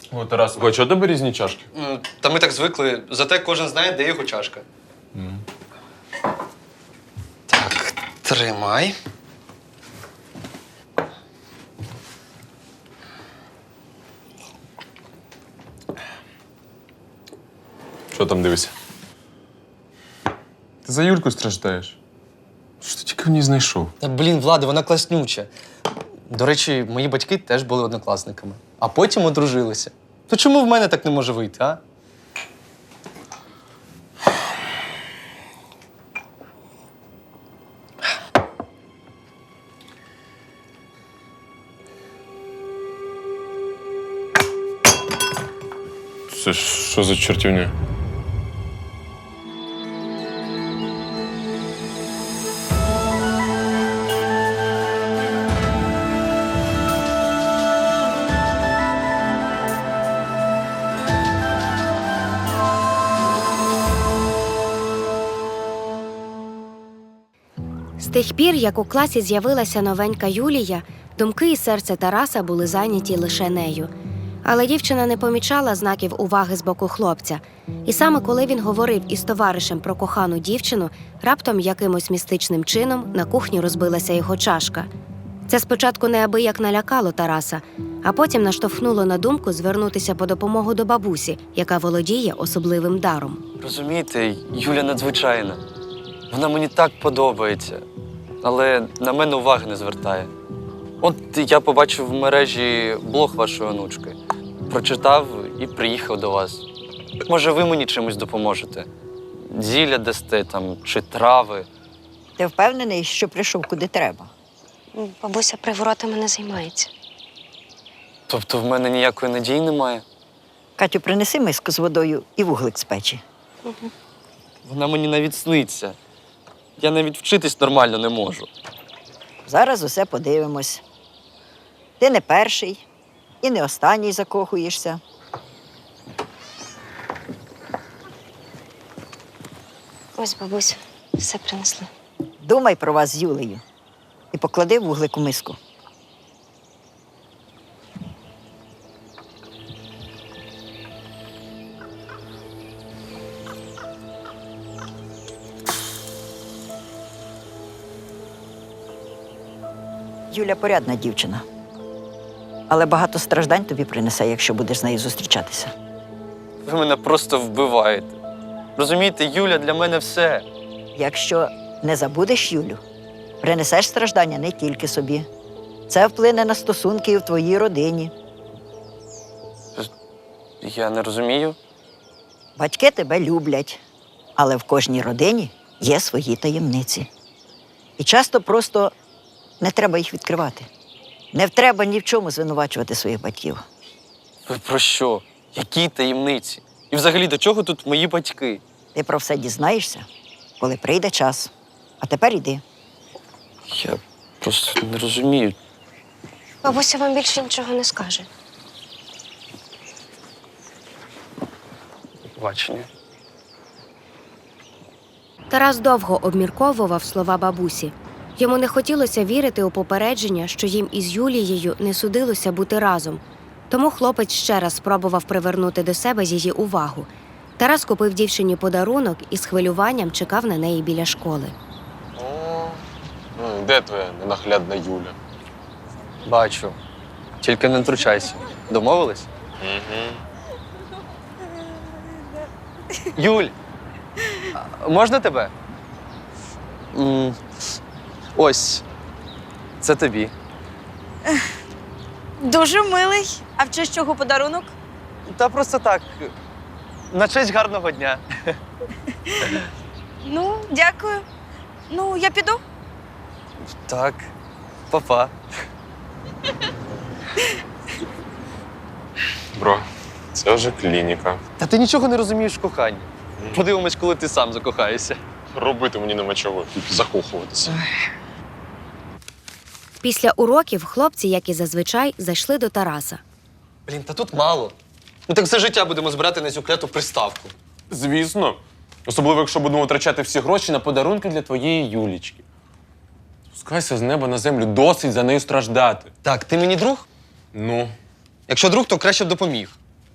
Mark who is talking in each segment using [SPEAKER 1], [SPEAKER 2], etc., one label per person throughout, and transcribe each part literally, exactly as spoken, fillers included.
[SPEAKER 1] О, Тарас, а чого у тебе різні чашки?
[SPEAKER 2] М, Та ми так звикли, зате кожен знає, де його чашка. Mm. Так, тримай.
[SPEAKER 1] Що там дивишся? Ти за Юльку страждаєш? Що ти тільки в ній знайшов?
[SPEAKER 2] Та, блін, Влади, вона класнюча. До речі, мої батьки теж були однокласниками, а потім одружилися. То чому в мене так не може вийти, а?
[SPEAKER 1] Це що за чортівня?
[SPEAKER 3] З тих пір, як у класі з'явилася новенька Юлія, думки і серце Тараса були зайняті лише нею. Але дівчина не помічала знаків уваги з боку хлопця. І саме коли він говорив із товаришем про кохану дівчину, раптом якимось містичним чином на кухні розбилася його чашка. Це спочатку неабияк налякало Тараса, а потім наштовхнуло на думку звернутися по допомогу до бабусі, яка володіє особливим даром.
[SPEAKER 2] Розумієте, Юля надзвичайна. Вона мені так подобається, але на мене уваги не звертає. От я побачив в мережі блог вашої онучки, прочитав і приїхав до вас. Може, ви мені чимось допоможете? Зілля дасте там, чи трави?
[SPEAKER 4] Ти впевнений, що прийшов куди треба?
[SPEAKER 3] Бабуся приворотами не займається.
[SPEAKER 2] Тобто в мене ніякої надії немає?
[SPEAKER 4] Катю, принеси миску з водою і вуглик з печі.
[SPEAKER 3] Угу.
[SPEAKER 2] Вона мені навіть сниться. Я навіть вчитись нормально не можу.
[SPEAKER 4] Зараз усе подивимось. Ти не перший і не останній закохуєшся.
[SPEAKER 3] Ось, бабуся, все принесли.
[SPEAKER 4] Думай про вас з Юлею і поклади вуглик у миску. Юля порядна дівчина. Але багато страждань тобі принесе, якщо будеш з нею зустрічатися.
[SPEAKER 2] Ви мене просто вбиваєте. Розумієте, Юля для мене все.
[SPEAKER 4] Якщо не забудеш Юлю, принесеш страждання не тільки собі. Це вплине на стосунки і в твоїй родині.
[SPEAKER 2] Я не розумію.
[SPEAKER 4] Батьки тебе люблять, але в кожній родині є свої таємниці. І часто просто не треба їх відкривати. Не треба ні в чому звинувачувати своїх батьків.
[SPEAKER 2] Ви про що? Які таємниці? І взагалі, до чого тут мої батьки?
[SPEAKER 4] Ти про все дізнаєшся, коли прийде час. А тепер йди.
[SPEAKER 2] Я просто не розумію.
[SPEAKER 3] Бабуся вам більше нічого не скаже.
[SPEAKER 2] Бачення.
[SPEAKER 3] Тарас довго обмірковував слова бабусі. Йому не хотілося вірити у попередження, що їм із Юлією не судилося бути разом. Тому хлопець ще раз спробував привернути до себе її увагу. Тарас купив дівчині подарунок і з хвилюванням чекав на неї біля школи.
[SPEAKER 1] О, ну, де твоя ненаглядна Юля?
[SPEAKER 2] Бачу. Тільки не втручайся. Домовились?
[SPEAKER 1] Угу.
[SPEAKER 2] Юль, а можна тебе? М, Ось. Це тобі.
[SPEAKER 5] Дуже милий. А в честь чого подарунок?
[SPEAKER 2] Та просто так. На честь гарного дня.
[SPEAKER 5] Ну, дякую. Ну, я піду.
[SPEAKER 2] Так. Па-па.
[SPEAKER 1] Бро, це вже клініка.
[SPEAKER 2] Та ти нічого не розумієш в коханні. Подивимось, коли ти сам закохаєшся.
[SPEAKER 1] Робити мені нема чого, тільки закохуватися.
[SPEAKER 3] Після уроків хлопці, як і зазвичай, зайшли до Тараса.
[SPEAKER 2] Блін, та тут мало. Ну так все життя будемо збирати на цю кляту приставку.
[SPEAKER 1] Звісно. Особливо, якщо будемо витрачати всі гроші на подарунки для твоєї Юлічки. Спускайся з неба на землю, досить за нею страждати.
[SPEAKER 2] Так, ти мені друг?
[SPEAKER 1] Ну,
[SPEAKER 2] Якщо друг, то краще б допоміг.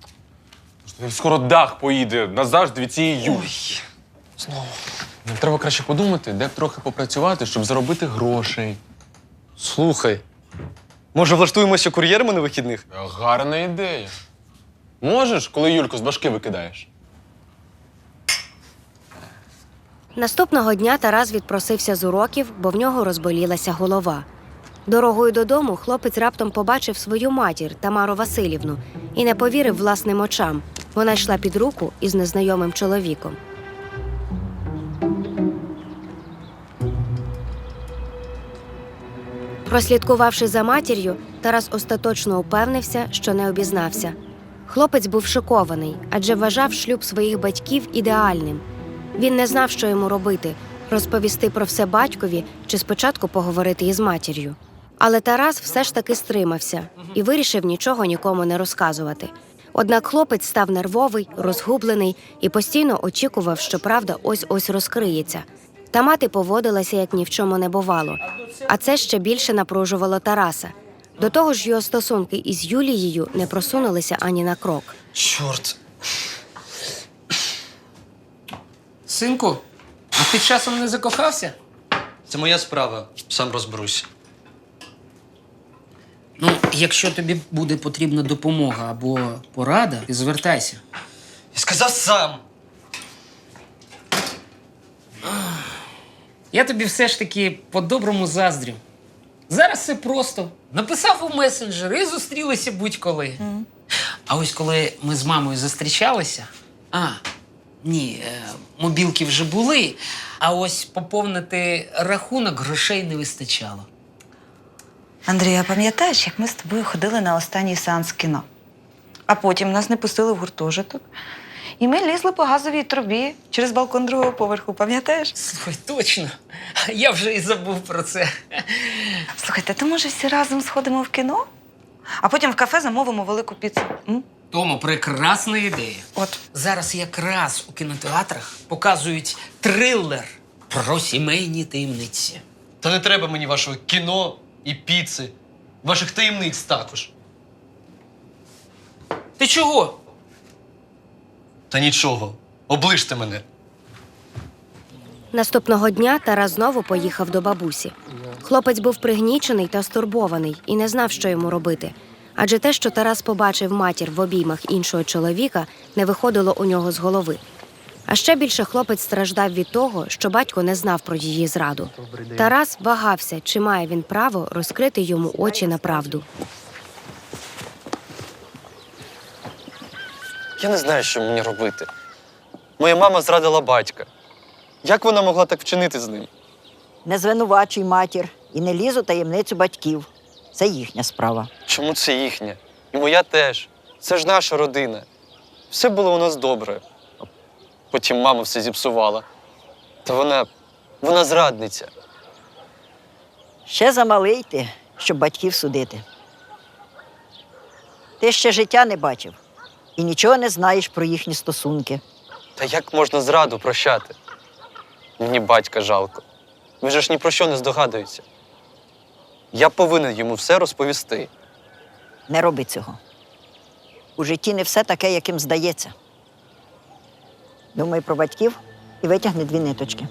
[SPEAKER 1] Скоро дах поїде назавжди від цієї Юлі.
[SPEAKER 2] Знову.
[SPEAKER 1] Нам треба краще подумати, де б трохи попрацювати, щоб заробити грошей.
[SPEAKER 2] Слухай, може влаштуємося кур'єрами на вихідних?
[SPEAKER 1] Гарна ідея. Можеш, коли Юльку з башки викидаєш?
[SPEAKER 3] Наступного дня Тарас відпросився з уроків, бо в нього розболілася голова. Дорогою додому хлопець раптом побачив свою матір Тамару Василівну і не повірив власним очам. Вона йшла під руку із незнайомим чоловіком. Прослідкувавши за матір'ю, Тарас остаточно упевнився, що не обізнався. Хлопець був шокований, адже вважав шлюб своїх батьків ідеальним. Він не знав, що йому робити – розповісти про все батькові чи спочатку поговорити із матір'ю. Але Тарас все ж таки стримався і вирішив нічого нікому не розказувати. Однак хлопець став нервовий, розгублений і постійно очікував, що правда ось-ось розкриється. Та мати поводилася, як ні в чому не бувало. А це ще більше напружувало Тараса. До того ж, його стосунки із Юлією не просунулися ані на крок.
[SPEAKER 2] Чорт.
[SPEAKER 6] Синку, а ти часом не закохався?
[SPEAKER 2] Це моя справа, сам розберусь.
[SPEAKER 6] Ну, якщо тобі буде потрібна допомога або порада, ти звертайся.
[SPEAKER 2] Я сказав сам.
[SPEAKER 6] Я тобі все ж таки по-доброму заздрю. Зараз все просто. Написав у месенджер і зустрілися будь-коли. Mm. А ось коли ми з мамою зустрічалися, а, ні, е, мобілки вже були, а ось поповнити рахунок грошей не вистачало.
[SPEAKER 7] Андрій, а пам'ятаєш, як ми з тобою ходили на останній сеанс кіно? А потім нас не пустили в гуртожиток. І ми лізли по газовій трубі через балкон другого поверху, пам'ятаєш?
[SPEAKER 6] Слухай, точно. Я вже і забув про це.
[SPEAKER 7] Слухайте, то може всі разом сходимо в кіно? А потім в кафе замовимо велику піцу. М?
[SPEAKER 6] Тому прекрасна ідея.
[SPEAKER 7] От.
[SPEAKER 6] Зараз якраз у кінотеатрах показують трилер про сімейні таємниці.
[SPEAKER 2] Та не треба мені вашого кіно і піци. Ваших таємниць також.
[SPEAKER 6] Ти чого?
[SPEAKER 2] Та нічого. Оближте мене.
[SPEAKER 3] Наступного дня Тарас знову поїхав до бабусі. Хлопець був пригнічений та стурбований і не знав, що йому робити. Адже те, що Тарас побачив матір в обіймах іншого чоловіка, не виходило у нього з голови. А ще більше хлопець страждав від того, що батько не знав про її зраду. Тарас вагався, чи має він право розкрити йому очі на правду.
[SPEAKER 2] Я не знаю, що мені робити. Моя мама зрадила батька. Як вона могла так вчинити з ним?
[SPEAKER 4] Не звинувачуй матір і не лізь у таємницю батьків. Це їхня справа.
[SPEAKER 2] Чому це їхня? І моя теж. Це ж наша родина. Все було у нас добре. Потім мама все зіпсувала. Та вона... вона зрадниця.
[SPEAKER 4] Ще замалий ти, щоб батьків судити. Ти ще життя не бачив і нічого не знаєш про їхні стосунки.
[SPEAKER 2] Та як можна зраду прощати? Мені батька жалко. Він же ж ні про що не здогадується. Я повинен йому все розповісти.
[SPEAKER 4] Не роби цього. У житті не все таке, яким здається. Думай про батьків і витягни дві ниточки.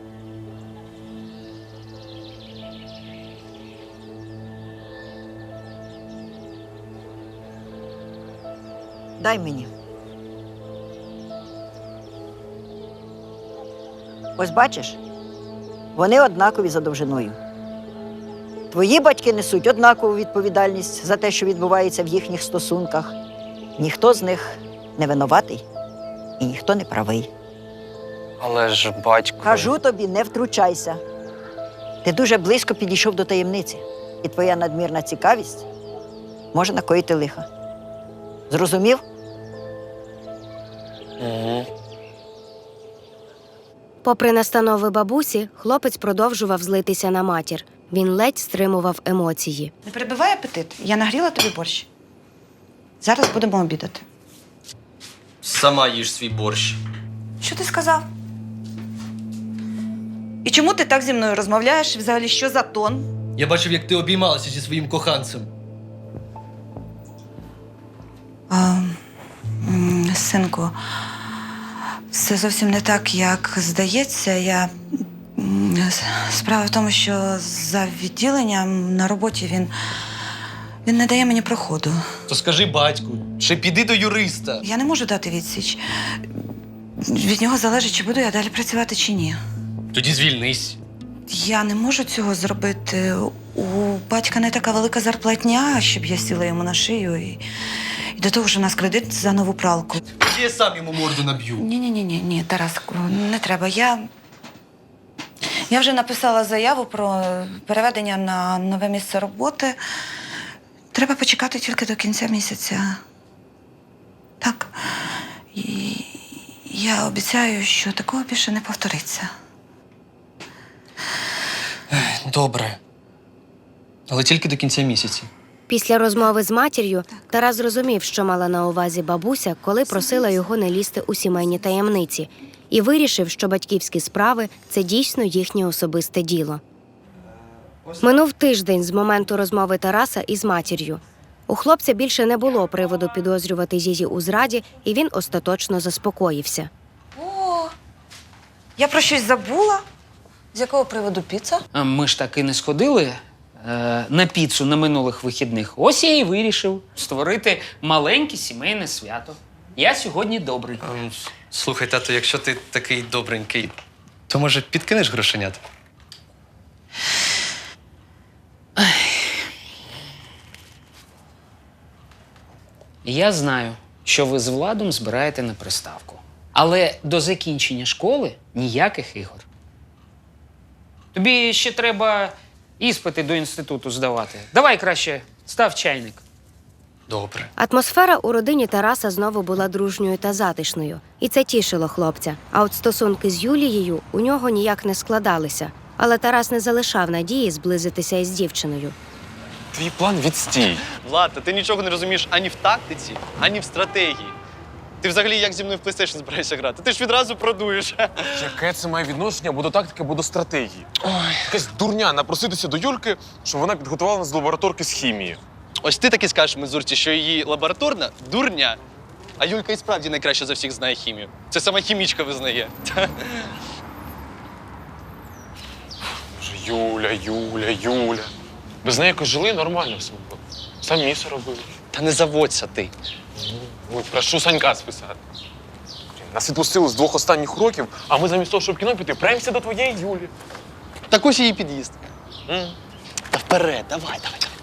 [SPEAKER 4] Дай мені. Ось бачиш, вони однакові за довжиною. Твої батьки несуть однакову відповідальність за те, що відбувається в їхніх стосунках. Ніхто з них не винуватий і ніхто не правий.
[SPEAKER 2] Але ж батько...
[SPEAKER 4] Кажу тобі, не втручайся. Ти дуже близько підійшов до таємниці, і твоя надмірна цікавість може накоїти лиха. Зрозумів?
[SPEAKER 2] Угу.
[SPEAKER 3] Попри настанови бабусі, хлопець продовжував злитися на матір. Він ледь стримував емоції.
[SPEAKER 7] Не перебивай апетит. Я нагріла тобі борщ. Зараз будемо обідати.
[SPEAKER 2] Сама їж свій борщ.
[SPEAKER 7] Що ти сказав? І чому ти так зі мною розмовляєш? Взагалі, що за тон?
[SPEAKER 2] Я бачив, як ти обіймалася зі своїм коханцем.
[SPEAKER 7] А, м, Синку, все зовсім не так, як здається. Я... м, с- Справа в тому, що за відділенням на роботі він, він не дає мені проходу.
[SPEAKER 2] То скажи батьку, чи піди до юриста.
[SPEAKER 7] Я не можу дати відсіч. Від нього залежить, чи буду я далі працювати, чи ні.
[SPEAKER 2] Тоді звільнись.
[SPEAKER 7] Я не можу цього зробити. У батька не така велика зарплатня, щоб я сіла йому на шию. І, і до того ж у нас кредит за нову пралку.
[SPEAKER 2] Я сам йому морду наб'ю.
[SPEAKER 7] Ні, ні, ні, ні, ні, Тараску, не треба. Я, я вже написала заяву про переведення на нове місце роботи. Треба почекати тільки до кінця місяця. Так. І я обіцяю, що такого більше не повториться.
[SPEAKER 2] Добре. Але тільки до кінця місяця.
[SPEAKER 3] Після розмови з матір'ю Тарас зрозумів, що мала на увазі бабуся, коли просила його не лізти у сімейні таємниці, і вирішив, що батьківські справи – це дійсно їхнє особисте діло. Минув тиждень з моменту розмови Тараса із матір'ю. У хлопця більше не було приводу підозрювати її у зраді, і він остаточно заспокоївся.
[SPEAKER 7] О, я про щось забула. З якого приводу піца?
[SPEAKER 6] А Ми ж так і не сходили е, на піцу на минулих вихідних. Ось я і вирішив створити маленьке сімейне свято. Я сьогодні добрий.
[SPEAKER 2] Ем, Слухай, тато, якщо ти такий добренький, то може підкинеш грошенят?
[SPEAKER 6] Я знаю, що ви з Владом збираєте на приставку. Але до закінчення школи ніяких ігор. Тобі ще треба іспити до інституту здавати. Давай краще став чайник.
[SPEAKER 2] Добре.
[SPEAKER 3] Атмосфера у родині Тараса знову була дружньою та затишною, і це тішило хлопця. А от стосунки з Юлією у нього ніяк не складалися. Але Тарас не залишав надії зблизитися із дівчиною.
[SPEAKER 1] Твій план відстій.
[SPEAKER 2] Влад, та ти нічого не розумієш ані в тактиці, ані в стратегії. Ти взагалі як зі мною в PlayStation збираєшся грати? Ти ж відразу продуєш.
[SPEAKER 1] Яке це має відношення або до тактики, або до стратегії? Якась дурня напроситися до Юльки, щоб вона підготувала нас до лабораторки з хімії.
[SPEAKER 2] Ось ти таки скажеш Мизурці, що її лабораторна дурня. А Юлька і справді найкраще за всіх знає хімію. Це сама хімічка визнає.
[SPEAKER 1] Боже, Юля, Юля, Юля. Без неї якось жили нормально все було. Самі все робили.
[SPEAKER 2] Та не заводься ти.
[SPEAKER 1] Ой, прошу Санька списати. Нас відпустили з двох останніх років, а ми замість того, щоб в кіно піти, премся до твоєї Юлі.
[SPEAKER 2] Так ось її під'їзд.
[SPEAKER 1] М?
[SPEAKER 2] Та вперед, давай, давай, давай.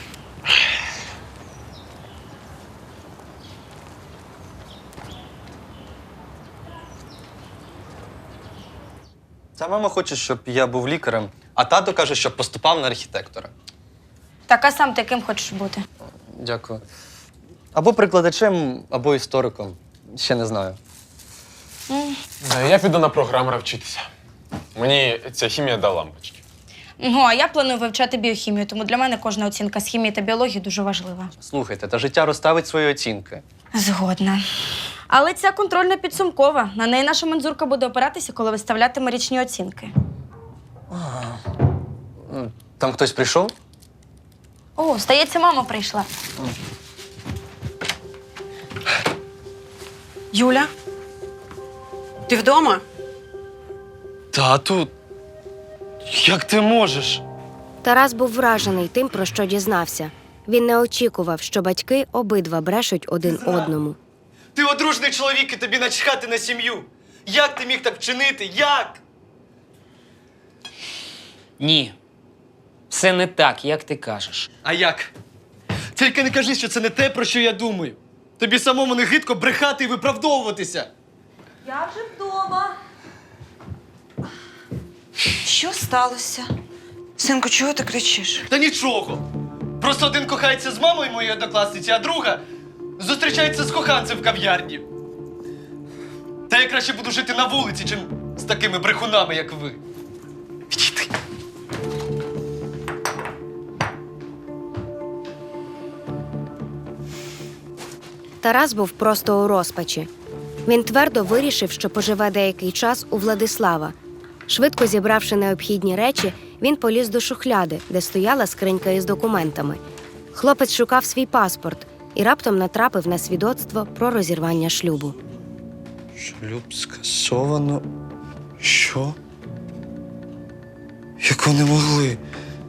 [SPEAKER 2] Ця мама хоче, щоб я був лікарем, а тато каже, щоб поступав на архітектора.
[SPEAKER 5] Так, а сам ти ким хочеш бути?
[SPEAKER 2] Дякую. Або прикладачем, або істориком. Ще не знаю.
[SPEAKER 1] Е, Я піду на програмера вчитися. Мені ця хімія дала лампочки.
[SPEAKER 5] Ну, а я планую вивчати біохімію, тому для мене кожна оцінка з хімії та біології дуже важлива.
[SPEAKER 2] Слухайте, та життя розставить свої оцінки.
[SPEAKER 5] Згодна. Але ця контрольна підсумкова. На неї наша мензурка буде опиратися, коли виставлятиме річні оцінки.
[SPEAKER 2] Там хтось прийшов?
[SPEAKER 5] О, здається, мама прийшла.
[SPEAKER 8] Юля? Ти вдома?
[SPEAKER 2] Тату, як ти можеш?
[SPEAKER 3] Тарас був вражений тим, про що дізнався. Він не очікував, що батьки обидва брешуть один одному.
[SPEAKER 2] Ти одружний чоловік і тобі начхати на сім'ю. Як ти міг так вчинити? Як?
[SPEAKER 6] Ні. Все не так, як ти кажеш.
[SPEAKER 2] А як? Тільки не кажи, що це не те, про що я думаю. Тобі самому не гидко брехати і виправдовуватися.
[SPEAKER 5] Я вже вдома.
[SPEAKER 7] Що сталося? Синку, чого ти кричиш?
[SPEAKER 2] Та нічого. Просто один кохається з мамою моєї однокласниці, а друга зустрічається з коханцем в кав'ярні. Та я краще буду жити на вулиці, чим з такими брехунами, як ви. Відійди.
[SPEAKER 3] Тарас був просто у розпачі. Він твердо вирішив, що поживе деякий час у Владислава. Швидко зібравши необхідні речі, він поліз до шухляди, де стояла скринька із документами. Хлопець шукав свій паспорт і раптом натрапив на свідоцтво про розірвання шлюбу.
[SPEAKER 2] Шлюб скасовано. Що? Як вони могли?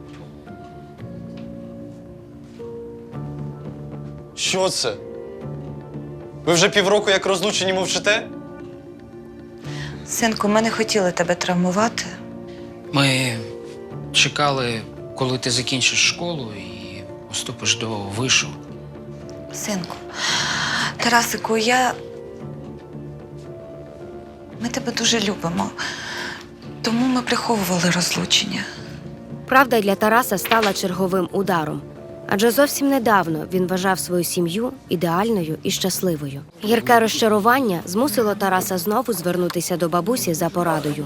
[SPEAKER 2] Що це? Ви вже півроку як розлучені мовчите?
[SPEAKER 7] Синку, ми не хотіли тебе травмувати.
[SPEAKER 6] Ми чекали, коли ти закінчиш школу і поступиш до вишу.
[SPEAKER 7] Синку, Тарасику, я. Ми тебе дуже любимо. Тому ми приховували розлучення.
[SPEAKER 3] Правда для Тараса стала черговим ударом. Адже зовсім недавно він вважав свою сім'ю ідеальною і щасливою. Гірке розчарування змусило Тараса знову звернутися до бабусі за порадою.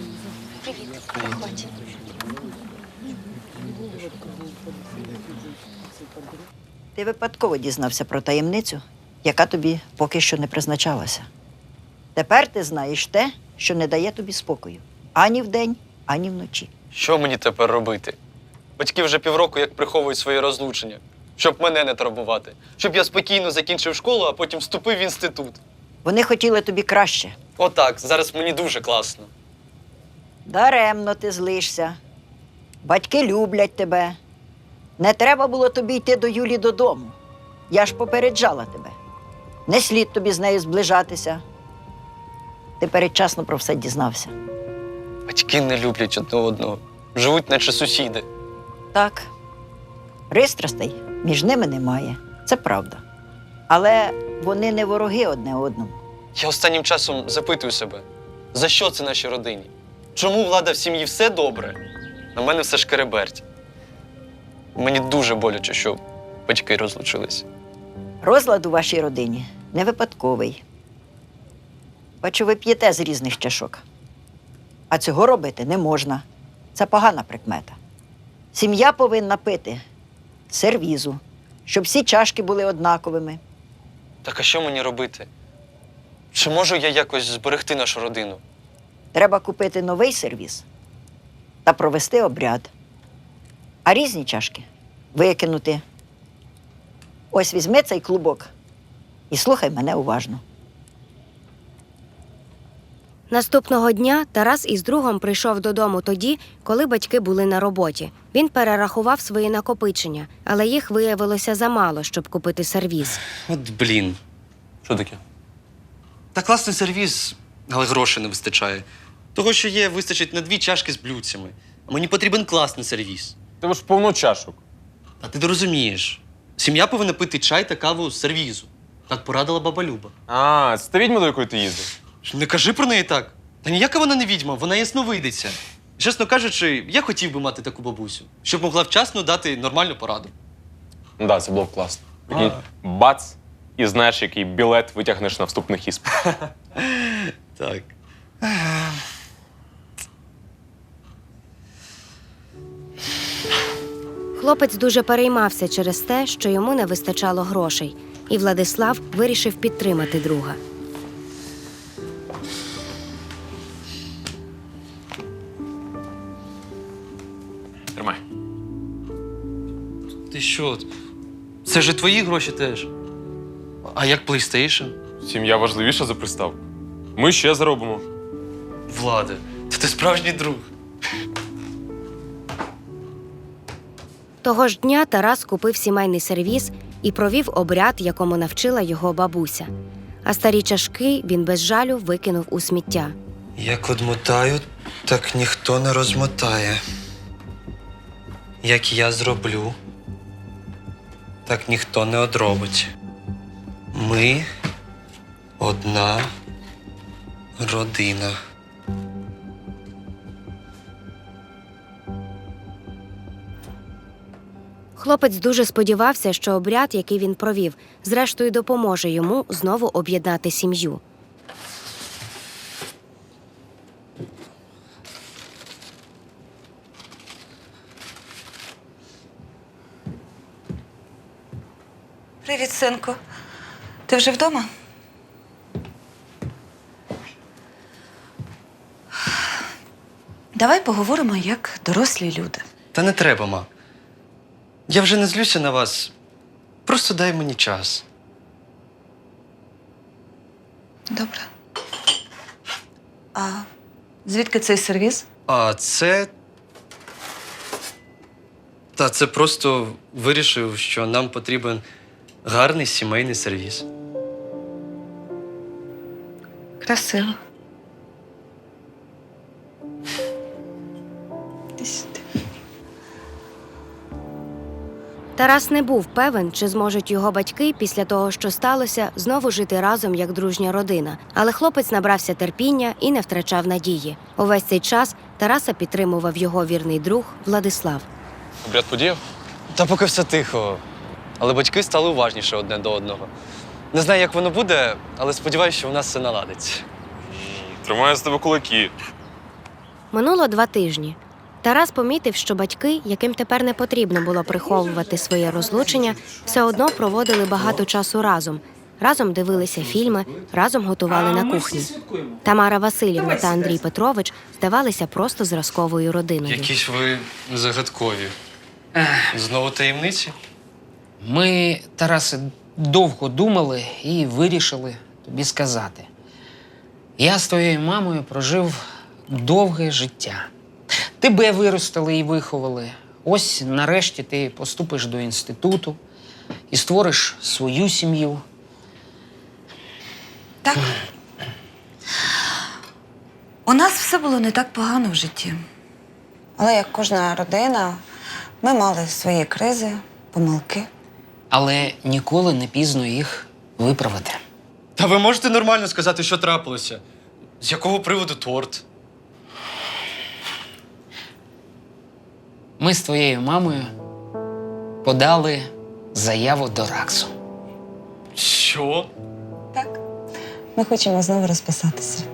[SPEAKER 4] Ти випадково дізнався про таємницю, яка тобі поки що не призначалася. Тепер ти знаєш те, що не дає тобі спокою. Ані вдень, ані вночі.
[SPEAKER 2] Що мені тепер робити? Батьки вже півроку як приховують своє розлучення, щоб мене не турбувати. Щоб я спокійно закінчив школу, а потім вступив в інститут.
[SPEAKER 4] Вони хотіли тобі краще.
[SPEAKER 2] Отак, зараз мені дуже класно.
[SPEAKER 4] Даремно ти злишся. Батьки люблять тебе. Не треба було тобі йти до Юлі додому. Я ж попереджала тебе. Не слід тобі з нею зближатися. Ти передчасно про все дізнався.
[SPEAKER 2] Батьки не люблять одне одного. Живуть, наче сусіди.
[SPEAKER 4] Так, пристрастей між ними немає. Це правда. Але вони не вороги одне одному.
[SPEAKER 2] Я останнім часом запитую себе, за що це нашій родині? Чому влада в сім'ї все добре, а в мене все шкереберть? Мені дуже боляче, що батьки розлучилися.
[SPEAKER 4] Розлад у вашій родині не випадковий. Бачу, ви п'єте з різних чашок. А цього робити не можна. Це погана прикмета. Сім'я повинна пити з сервізу, щоб всі чашки були однаковими.
[SPEAKER 2] Так а що мені робити? Чи можу я якось зберегти нашу родину?
[SPEAKER 4] Треба купити новий сервіз та провести обряд. А різні чашки викинути. Ось візьми цей клубок і слухай мене уважно.
[SPEAKER 3] Наступного дня Тарас із другом прийшов додому тоді, коли батьки були на роботі. Він перерахував свої накопичення, але їх виявилося замало, щоб купити сервіз.
[SPEAKER 2] От блін.
[SPEAKER 1] Що таке?
[SPEAKER 2] Та класний сервіз, але грошей не вистачає. Того, що є, вистачить на дві чашки з блюдцями. А мені потрібен класний сервіз.
[SPEAKER 1] Тебе ж повно чашок.
[SPEAKER 2] А ти не розумієш. Сім'я повинна пити чай та каву з сервізу. Так порадила баба Люба.
[SPEAKER 1] А, це та відьма, до якої ти їздив?
[SPEAKER 2] Не кажи про неї так. Та ніяка вона не відьма, вона ясновидиця. Чесно кажучи, я хотів би мати таку бабусю, щоб могла вчасно дати нормальну пораду.
[SPEAKER 1] Ну так, це було б класно. Прикинь, бац, і знаєш, який білет витягнеш на вступних іспитах.
[SPEAKER 2] Так.
[SPEAKER 3] Хлопець дуже переймався через те, що йому не вистачало грошей, і Владислав вирішив підтримати друга.
[SPEAKER 1] Тримай.
[SPEAKER 2] Ти що? Це ж і твої гроші теж. А як PlayStation?
[SPEAKER 1] Сім'я важливіша за приставку. Ми ще заробимо.
[SPEAKER 2] Владе, та ти справжній друг.
[SPEAKER 3] Того ж дня Тарас купив сімейний сервіз і провів обряд, якому навчила його бабуся. А старі чашки він без жалю викинув у сміття.
[SPEAKER 9] Як одмотаю, так ніхто не розмотає. Як я зроблю, так ніхто не одробить. Ми одна родина.
[SPEAKER 3] Хлопець дуже сподівався, що обряд, який він провів, зрештою допоможе йому знову об'єднати сім'ю.
[SPEAKER 7] Привіт, синку. Ти вже вдома? Давай поговоримо як дорослі люди.
[SPEAKER 9] Та не треба, ма. Я вже не злюся на вас. просто дай мені час.
[SPEAKER 7] Добре. А звідки цей сервіз?
[SPEAKER 9] А це. Та це просто вирішив, що нам потрібен гарний сімейний сервіс.
[SPEAKER 7] Красиво. Іди сюди.
[SPEAKER 3] Тарас не був певен, чи зможуть його батьки після того, що сталося, знову жити разом як дружня родина. Але хлопець набрався терпіння і не втрачав надії. Увесь цей час Тараса підтримував його вірний друг Владислав.
[SPEAKER 1] Обряд подіяв?
[SPEAKER 2] Та поки все тихо. Але батьки стали уважніше одне до одного. Не знаю, як воно буде, але сподіваюся, що у нас все наладиться.
[SPEAKER 1] Тримаю з тебе кулаки.
[SPEAKER 3] Минуло два тижні. Тарас помітив, що батьки, яким тепер не потрібно було приховувати своє розлучення, все одно проводили багато часу разом. Разом дивилися фільми, разом готували на кухні. Тамара Василівна та Андрій Петрович здавалися просто зразковою родиною.
[SPEAKER 9] Якісь ви загадкові. Знову таємниці?
[SPEAKER 6] Ми, Тарасе, довго думали і вирішили тобі сказати. Я з твоєю мамою прожив довге життя. Тебе виростили і виховали. Ось нарешті ти поступиш до інституту і створиш свою сім'ю.
[SPEAKER 7] Так. У нас все було не так погано в житті. Але як кожна родина, ми мали свої кризи, помилки.
[SPEAKER 6] Але ніколи не пізно їх виправити.
[SPEAKER 9] Та ви можете нормально сказати, що трапилося? З якого приводу торт?
[SPEAKER 6] Ми з твоєю мамою подали заяву до РАКСу.
[SPEAKER 9] Що?
[SPEAKER 7] Так. Ми хочемо знову розписатися.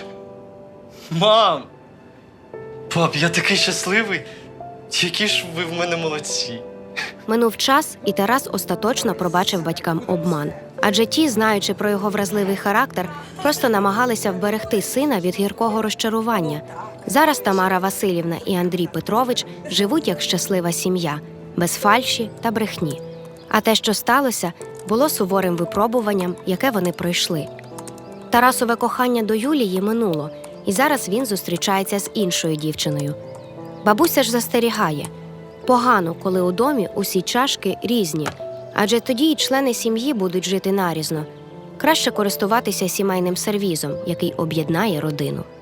[SPEAKER 9] Мам! Пап, я такий щасливий. Які ж ви в мене молодці.
[SPEAKER 3] Минув час, і Тарас остаточно пробачив батькам обман. Адже ті, знаючи про його вразливий характер, просто намагалися вберегти сина від гіркого розчарування. Зараз Тамара Василівна і Андрій Петрович живуть як щаслива сім'я, без фальші та брехні. А те, що сталося, було суворим випробуванням, яке вони пройшли. Тарасове кохання до Юлії минуло, і зараз він зустрічається з іншою дівчиною. Бабуся ж застерігає – погано, коли у домі усі чашки різні, адже тоді й члени сім'ї будуть жити нарізно. Краще користуватися сімейним сервізом, який об'єднає родину.